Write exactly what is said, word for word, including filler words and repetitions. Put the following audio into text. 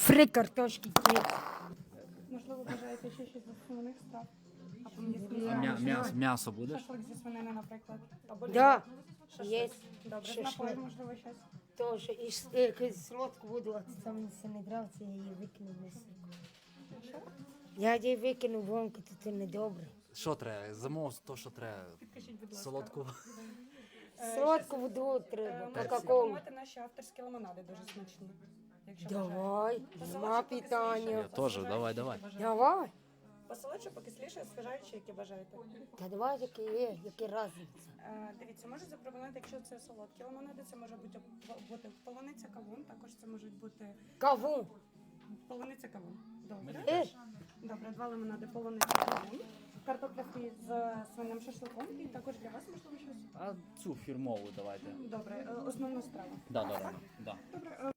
Фри картошки. Можливо, бажаєте ще щось зі свиних страв? Або м'ясні А страви? м'я- м'ясо, м'ясо будеш? Шашлик зі свинини, наприклад. Або Да, шашлик. є. Добре, з Шашлик. напоїв, можливо, щось. Тоже. І с- е, якусь солодку воду, а це мені це не нравиться, я її викину в миску. Що? Я її викину вонку, то це не добре. Що треба? Замов то, що треба. Підкажіть, будь ласка. Солодку. Солодку воду Е, треба, Можете кока-колу. спробувати наші авторські лимонади, дуже смачні. Якщо бажаєте. Давай, нема питання. Я теж, давай, давай. Давай. Посолодше, покисліше, освіжаюче, які бажаєте. Та давай, які є, які різниця. Е, Дивіться, можу запропонувати, якщо це солодкі лимонади, це може бути, бути полуниця кавун, також це можуть бути Каву. полуниця кавун. Добре. Е, Добре, два лимонади, полуниця кавун. Картопля фрі з свиним шашликом і також для вас можливо щось. А цю фірмову давайте. Добре, е, основну страву. Да, да, да. да. Добре, е,